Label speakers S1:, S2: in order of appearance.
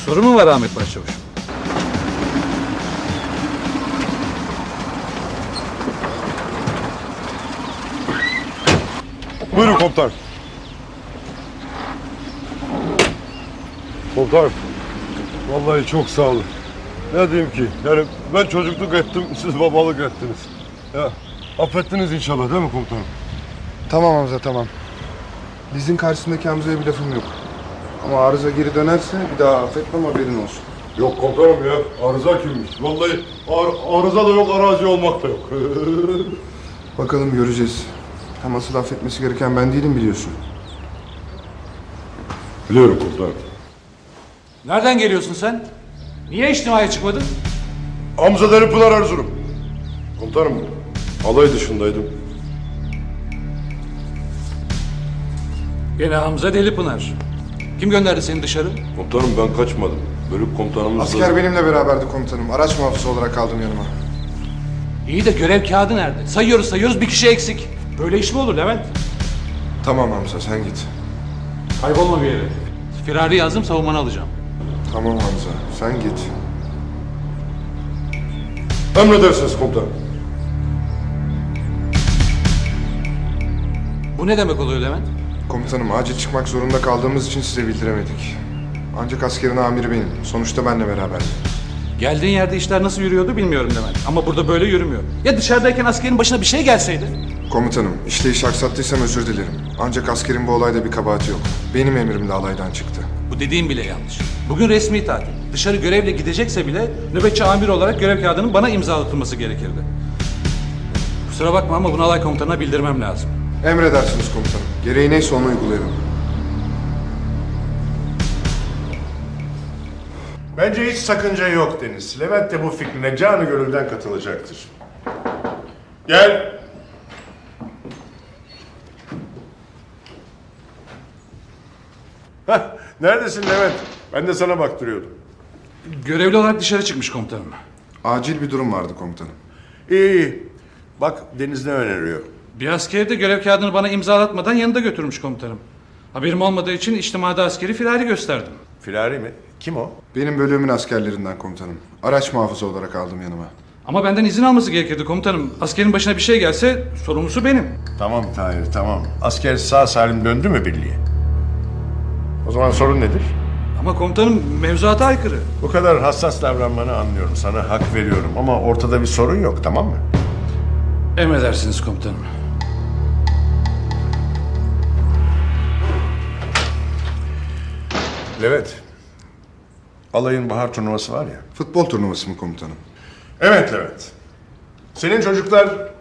S1: Sorun mu var Ahmet Başçavuş?
S2: Buyurun komutanım. Komutanım, vallahi çok sağ olun. Ne diyeyim ki, yani ben çocukluk ettim, siz babalık ettiniz. Ya, affettiniz inşallah değil mi komutanım?
S3: Tamam Hamza, tamam. Dizin karşısındaki Hamza'ya bir lafım yok. Ama arıza geri dönerse bir daha affetmem, haberin olsun.
S2: Yok komutanım ya, arıza kimmiş? Vallahi arıza da yok, arazi olmak da yok.
S3: Bakalım, göreceğiz. Hem asıl affetmesi gereken ben değilim, biliyorsun.
S2: Biliyorum komutanım.
S1: Nereden geliyorsun sen? Niye içtimaya çıkmadın?
S2: Hamza Delipınar Erzurum. Komutanım, alay dışındaydım.
S1: Gene Hamza Delipınar. Kim gönderdi seni dışarı?
S2: Komutanım ben kaçmadım. Bölük komutanımız
S3: Asker benimle beraberdi komutanım. Araç muhafızı olarak aldım yanıma.
S1: İyi de görev kağıdı nerede? Sayıyoruz bir kişi eksik. Böyle iş mi olur Levent?
S3: Tamam Hamza, sen git.
S1: Kaybolma bir yere. Firari yazdım, savunmanı alacağım.
S3: Tamam Hamza, sen git.
S2: Emredersiniz komutanım.
S1: Bu ne demek oluyor Levent?
S3: Komutanım, acil çıkmak zorunda kaldığımız için size bildiremedik. Ancak askerin amiri benim. Sonuçta benle beraber.
S1: Geldiğin yerde işler nasıl yürüyordu bilmiyorum Levent. Ama burada böyle yürümüyor. Ya dışarıdayken askerin başına bir şey gelseydi?
S3: Komutanım, işleyişi aksattıysam özür dilerim. Ancak askerin bu olayda bir kabahati yok. Benim emrimle alaydan çıktı.
S1: Bu dediğim bile yanlış. Bugün resmi tatil. Dışarı görevle gidecekse bile nöbetçi amir olarak görev kağıdının bana imzalatılması gerekirdi. Kusura bakma ama bunu alay komutanına bildirmem lazım.
S3: Emredersiniz komutanım. Gereği neyse onu uygulayalım.
S4: Bence hiç sakınca yok Deniz. Levent de bu fikrine canı gönülden katılacaktır. Gel. Hah, neredesin Levent? Ben de sana baktırıyordum.
S1: Görevli olarak dışarı çıkmış komutanım.
S3: Acil bir durum vardı komutanım.
S4: İyi iyi. Bak Deniz ne öneriyor?
S1: Bir askeri de görev kağıdını bana imzalatmadan yanında götürmüş komutanım. Haberim olmadığı için içtimada askeri firari gösterdim.
S4: Firari mi? Kim o?
S3: Benim bölümün askerlerinden komutanım. Araç muhafızı olarak aldım yanıma.
S1: Ama benden izin alması gerekirdi komutanım. Askerin başına bir şey gelse sorumlusu benim.
S4: Tamam Tahir tamam. Asker sağ salim döndü mü birliğe? O zaman sorun nedir?
S1: Ama komutanım mevzuata aykırı.
S4: Bu kadar hassas davranmanı anlıyorum. Sana hak veriyorum ama ortada bir sorun yok, tamam mı?
S1: Emredersiniz komutanım.
S4: Levent, alayın bahar turnuvası var ya.
S3: Futbol turnuvası mı komutanım?
S4: Evet Levent. Senin çocuklar